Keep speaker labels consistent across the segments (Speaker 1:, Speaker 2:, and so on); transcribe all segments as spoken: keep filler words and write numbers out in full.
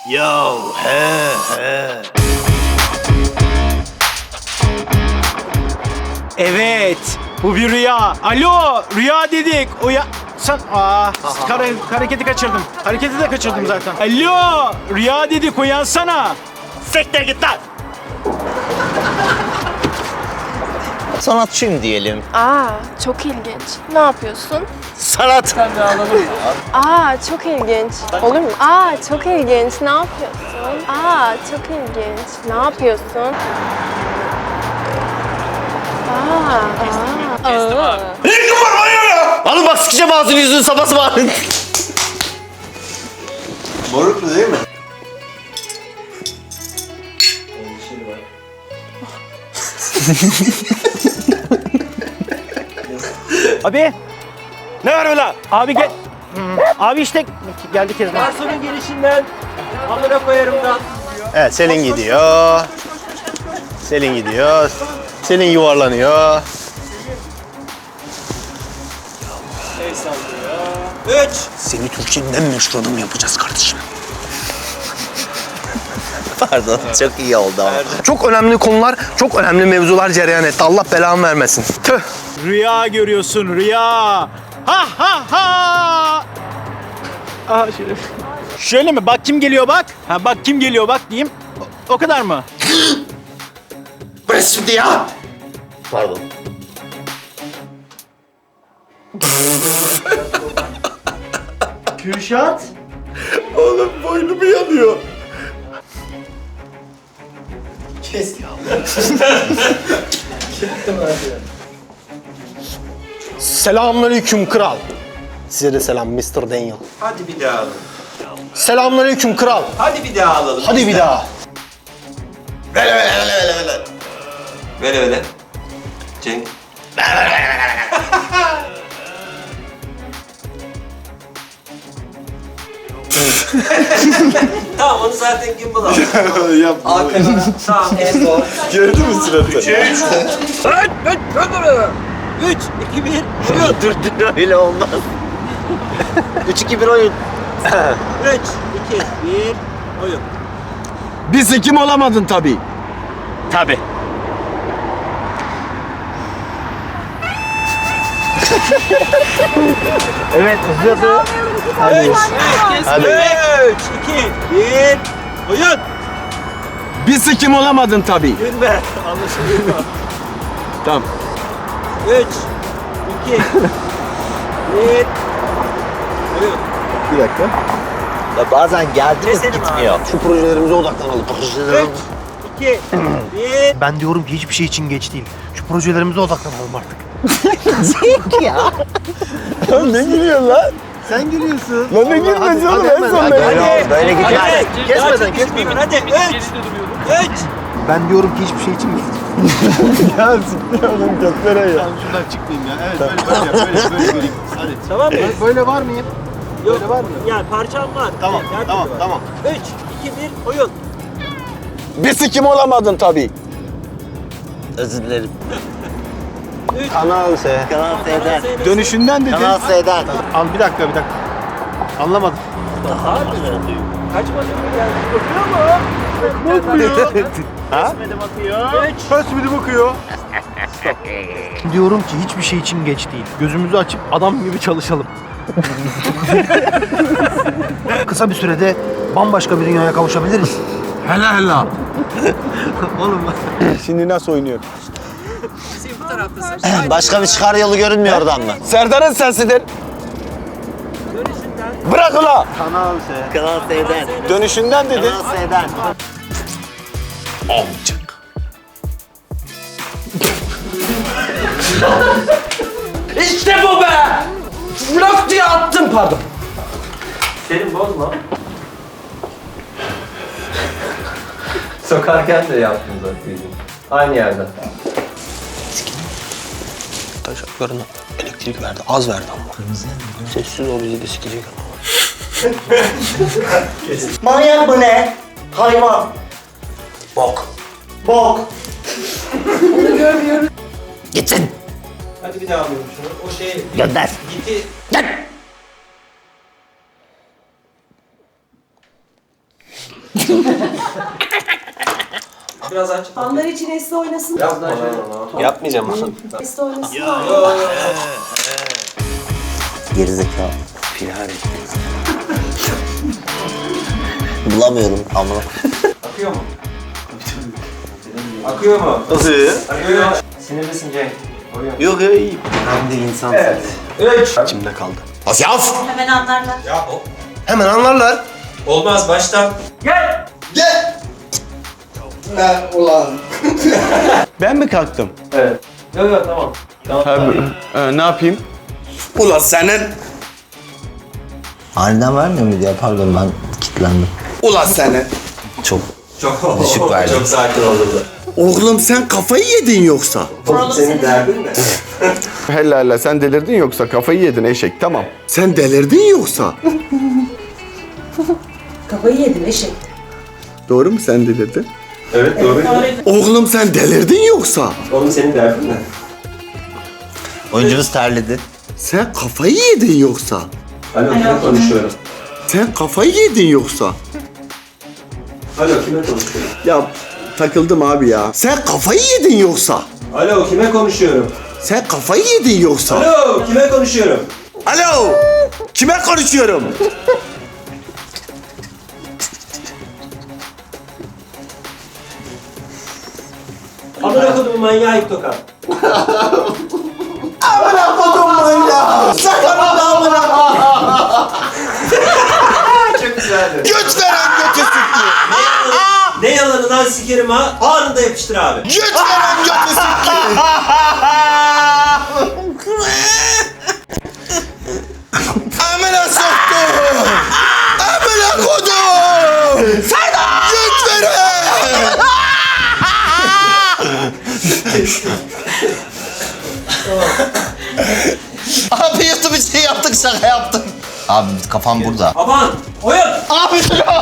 Speaker 1: Ya he he.
Speaker 2: Evet, bu bir rüya. Alo, rüya dedik. Uya... Sen... Aa, kare, hareketi kaçırdım. Hareketi de kaçırdım zaten. Alo, rüya dedik, uyansana.
Speaker 1: Sekte git lan. Sanatçıyım diyelim.
Speaker 3: Aa, çok ilginç. Ne yapıyorsun?
Speaker 1: Sanat.
Speaker 3: Aa, çok ilginç. Olur mu? Aa, çok ilginç. Ne yapıyorsun? Aa, çok ilginç. Ne yapıyorsun? Aa, aa. aa.
Speaker 1: Alın bak sıkacağım ağzını yüzünü sabah var.
Speaker 4: Moruklu değil mi?
Speaker 2: Abi,
Speaker 1: Ne var öyle?
Speaker 2: abi gel. Hmm, Abi işte geldi Kezban.
Speaker 5: Garsonun gelişinden amına koyarım da.
Speaker 1: Evet Selin gidiyor. Selin gidiyor. Selin yuvarlanıyor.
Speaker 5: El sallıyor. Üç.
Speaker 1: Seni Türkiye'nin en meşhur adamı yapacağız kardeşim. Pardon, çok iyi oldu ama. Çok önemli konular, çok önemli mevzular cereyan etti. Allah belamı vermesin. Tüh.
Speaker 2: Rüya görüyorsun, rüya. Ha ha ha. Aa, şöyle. Şöyle mi? Bak kim geliyor bak. Ha bak kim geliyor bak diyeyim. O, o kadar mı?
Speaker 1: Bırak şimdi ya. Pardon.
Speaker 2: Kürşat.
Speaker 1: Oğlum boynumu yanıyor. Kes ya. Selamünaleyküm kral. Size de selam mister Daniel.
Speaker 4: Hadi bir daha alalım.
Speaker 1: Selamünaleyküm kral.
Speaker 4: Hadi bir daha alalım.
Speaker 1: Hadi bir daha.
Speaker 4: Vele vele vele vele vele. Vele vele. Cenk. Tamam onu zaten gimbal aldı.
Speaker 6: Yapma.
Speaker 4: Arkadaşlar tamam en zor.
Speaker 6: Gördün mü suratı?
Speaker 5: Üç, iki, bir.
Speaker 1: Dur dur öyle olmaz. üç iki bir oyun.
Speaker 5: Üç, iki, bir. Oyun.
Speaker 6: Bir sikim olamadın tabii.
Speaker 2: Tabii. Evet, uzadı.
Speaker 5: Hadi.
Speaker 1: Hadi.
Speaker 5: Üç, iki, bir. Oyun.
Speaker 6: Bir sikim olamadın tabii.
Speaker 5: Gülme. Anlaşılıyor.
Speaker 6: Tamam.
Speaker 5: Üç, iki, bir. Oyun.
Speaker 6: Bir dakika.
Speaker 1: Ya bazen geldi mi
Speaker 5: Keselim
Speaker 1: gitmiyor. Şu projelerimize odaklanalım. Projelerimize.
Speaker 5: Üç, iki, bir.
Speaker 1: Ben diyorum ki hiçbir şey için geç değil. Şu projelerimize odaklanalım artık.
Speaker 6: Ne gülüyorsun lan?
Speaker 1: Sen gülüyorsun.
Speaker 6: Lan ne gülmesi oğlum en son ben.
Speaker 1: Böyle, böyle gitmez.
Speaker 5: Hadi.
Speaker 1: Kesmeden
Speaker 5: Hadi.
Speaker 1: kesmeden.
Speaker 5: Hadi. Üç, üç.
Speaker 1: Ben diyorum ki hiçbir şey için geç.
Speaker 6: Ya siktir oğlum götlere ya.
Speaker 1: Şuradan çıkmayayım ya. Evet böyle böyle yap. Böyle böyle göreyim. Hadi.
Speaker 5: Tamam mı?
Speaker 1: Böyle var mıyım?
Speaker 5: Yok. Var mı? Yani parçam var.
Speaker 1: Tamam,
Speaker 5: Her
Speaker 1: tamam,
Speaker 5: türlü var.
Speaker 1: tamam.
Speaker 5: Üç, iki, bir. Oyun.
Speaker 6: Bir sikim olamadın tabii.
Speaker 1: Özür dilerim.
Speaker 5: Üç.
Speaker 1: Kanal S. Kanal S'den.
Speaker 6: Dönüşünden dedin.
Speaker 1: Kanal S'den. Al bir dakika bir dakika. Anlamadım.
Speaker 5: Kaçmadı mı yani? Bakıyor mu?
Speaker 1: Bakmıyor. Ha?
Speaker 5: Kesmedi bakıyor. Üç.
Speaker 6: Kasmidi bakıyor.
Speaker 1: Diyorum ki hiçbir şey için geç değil. Gözümüzü açıp adam gibi çalışalım. Kısa bir sürede bambaşka bir dünyaya kavuşabiliriz.
Speaker 6: Hela hela.
Speaker 1: Oğlum
Speaker 6: Şimdi nasıl oynuyor?
Speaker 1: başka bir çıkar yolu görünmüyor oradan mı?
Speaker 6: Serdar'ın sesidir.
Speaker 5: Dönüşünden.
Speaker 6: Bırak ula.
Speaker 1: Kanal S. Kanal S'den.
Speaker 6: Dönüşünden dedi.
Speaker 1: Kanal S'den.
Speaker 6: Amcık.
Speaker 5: İşte bu be! Blok diye attım pardon. Senin bozma.
Speaker 7: Sokarken de yaptım zaten. Aynı yerden.
Speaker 1: Taşaklarına elektrik verdi. Az verdi ama. Kırmızı mı? Sessiz ol bizi de sikecek ama.
Speaker 8: Manyak mı ne? Hayvan.
Speaker 1: Bok.
Speaker 8: Bok.
Speaker 1: Gitsin.
Speaker 5: Hadi bir daha alıyorum şunu. O şey
Speaker 1: Gönder.
Speaker 5: gitti.
Speaker 1: Gel.
Speaker 4: Biraz aç.
Speaker 9: Fanlar için Esra oynasın.
Speaker 1: Yapmayacağım onu.
Speaker 9: Esra oynasın.
Speaker 8: Gerizekalı. Bulamıyorum ama.
Speaker 4: Akıyor mu? Akıyor mu?
Speaker 1: Nasıl ya?
Speaker 4: Akıyor. Sinirlisin Cenk.
Speaker 1: Yok ya iyi.
Speaker 8: Hem de insan.
Speaker 4: Evet. Üç.
Speaker 1: İçimde kaldı. Asyaf!
Speaker 9: Hemen anlarlar.
Speaker 4: Ya o.
Speaker 1: Hemen anlarlar.
Speaker 4: Olmaz baştan. Gel.
Speaker 6: Gel. Ben ulan. Ben mi kalktım?
Speaker 7: Evet. Yok yok tamam. Tamam.
Speaker 6: Ee, ne yapayım? Ulan senin.
Speaker 8: Aniden vermiyor muydu ya? Pardon ben kilitlendim.
Speaker 6: Ulan senin.
Speaker 8: Çok.
Speaker 4: Çok
Speaker 8: Düşük verdi.
Speaker 4: Çok sakin oldu.
Speaker 6: Oğlum sen kafayı yedin yoksa.
Speaker 9: Oğlum senin
Speaker 4: Derdin ne?
Speaker 6: Hella hella sen delirdin yoksa kafayı yedin eşek tamam. Sen delirdin yoksa.
Speaker 9: kafayı yedin eşek.
Speaker 6: Doğru mu sen delirdin?
Speaker 4: Evet doğru.
Speaker 6: Oğlum sen delirdin yoksa.
Speaker 4: Oğlum senin derdin ne?
Speaker 8: Oyuncumuz terledi.
Speaker 6: Sen kafayı yedin yoksa.
Speaker 4: Alo kime konuşuyorum?
Speaker 6: Sen kafayı yedin yoksa.
Speaker 4: Alo kime konuşuyorum?
Speaker 6: Ya takıldım abi ya. Sen kafayı yedin yoksa.
Speaker 4: Alo kime konuşuyorum?
Speaker 6: Sen kafayı yedin yoksa.
Speaker 4: Alo kime konuşuyorum?
Speaker 6: Alo. Kime konuşuyorum?
Speaker 4: Amına kodumun manyağı ip tokat. Çok güzeldi.
Speaker 6: Göt veren götü sıktı.
Speaker 4: Ne yalanı lan sikerim ha? Anında yapıştır abi.
Speaker 6: Göt veren götü sıktı. Amına soktum. Amına kodum. Serdar. Göt veren.
Speaker 8: Abi YouTube için yaptık şaka yaptık. Abi kafam burada.
Speaker 4: Aman oyun.
Speaker 8: Abi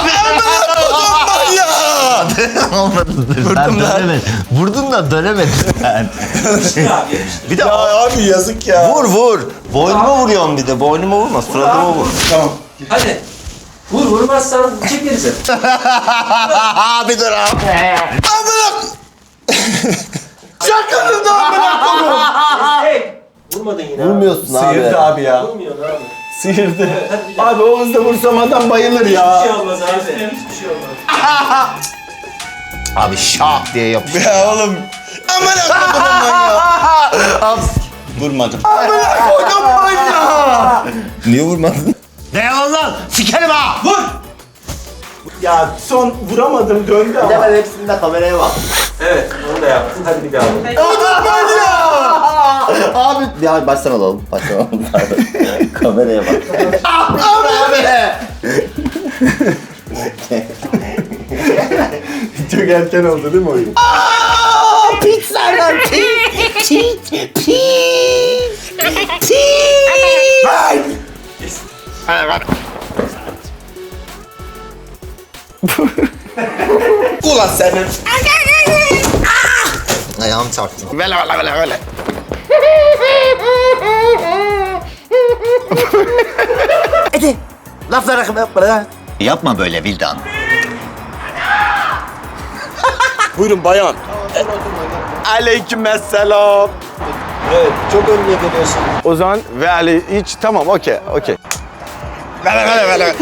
Speaker 8: ya. Vurdum lan. Vurdun da dönemedin ben.
Speaker 4: Yapıştır abi yapıştır.
Speaker 8: Bir de
Speaker 6: Ya abi yazık ya.
Speaker 8: vur vur. Boynuma vuruyorsun bir de. Boynuma vurma. Suratıma vur.
Speaker 4: Hadi. Vur vurmazsan çekeriz.
Speaker 8: Abi dur abi.
Speaker 6: Amına. Şakanın da amına koyayım.
Speaker 4: Hey. Vurmadın yine.
Speaker 8: Vurmuyorsun abi.
Speaker 6: Sıyırdı abi ya.
Speaker 4: Vurmuyorsun abi.
Speaker 6: Sıyırdı.
Speaker 4: Hadi bir daha.
Speaker 6: Abi o hızda vursam adam bayılır
Speaker 4: Hiçbir
Speaker 6: ya.
Speaker 4: şey olmaz abi. Hiçbir şey olmaz.
Speaker 8: Abi şak diye yapıştı.
Speaker 6: Ya oğlum. Amına kodumun manyağı. Vurmadım. Amına kodum manyağı.
Speaker 8: Niye vurmadın? Ne yalan lan? Sikerim ha!
Speaker 6: Vur. Ya son vuramadım döndü ama.
Speaker 8: Ben hepsinde kameraya bak.
Speaker 4: Evet onu da yaptın. Hadi bir daha vur.
Speaker 6: Kodum manyağı.
Speaker 8: Abi ya baştan alalım. Baştan alalım. Kameraya bak. Abi!
Speaker 6: Çok erken oldu değil mi oyun?
Speaker 8: Aaa! Pizza'dan pit! Pit! Pit! Pit!
Speaker 6: Ulan senin.
Speaker 8: Ayağım çarptı.
Speaker 6: Böyle böyle böyle böyle.
Speaker 8: Hadi. Laflara yapma. Yapma böyle Vildan.
Speaker 6: Buyurun bayan. Aleykümselam.
Speaker 4: Evet çok önüne geliyorsun.
Speaker 6: O zaman ve Ali hiç tamam okey okey. Böyle böyle böyle.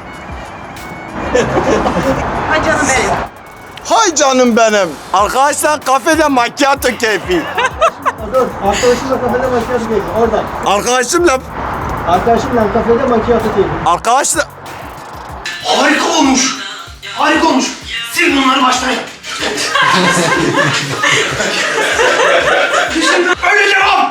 Speaker 9: Ay canım benim.
Speaker 6: Hay canım benim. Arkadaşlar kafede macchiato keyfi.
Speaker 10: Arkadaşımla kafede macchiato keyfi oradan.
Speaker 6: Arkadaşımla
Speaker 10: Arkadaşımla kafede macchiato keyfi.
Speaker 6: arkadaşlar
Speaker 1: Harika olmuş. Harika olmuş. Sil bunları baştan yap. Öyle devam.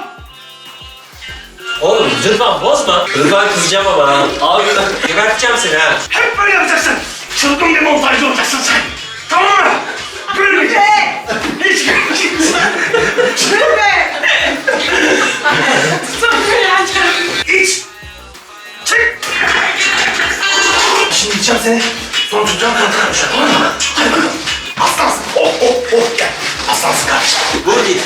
Speaker 4: Oğlum lütfen bozma. Lütfen kızacağım ama ha. Abi geberteceğim seni ha.
Speaker 1: Hep böyle yapacaksın. Çılgın bir montajcı olacaksın sen. Tamam mı? Gülmeyeceksin. Hiç gülmeyeceksin. İç. Çık. Şimdi içeceğim seni. Sonra tutacağım kanka kardeşim. Tamam mı? Hadi bakalım. Aslansın. Oh oh oh gel. Aslansın kardeşim.
Speaker 4: Vur git.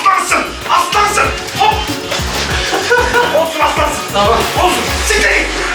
Speaker 1: Aslansın. Aslansın. Hop. Olsun aslansın. Tamam. Olsun. Siktir git.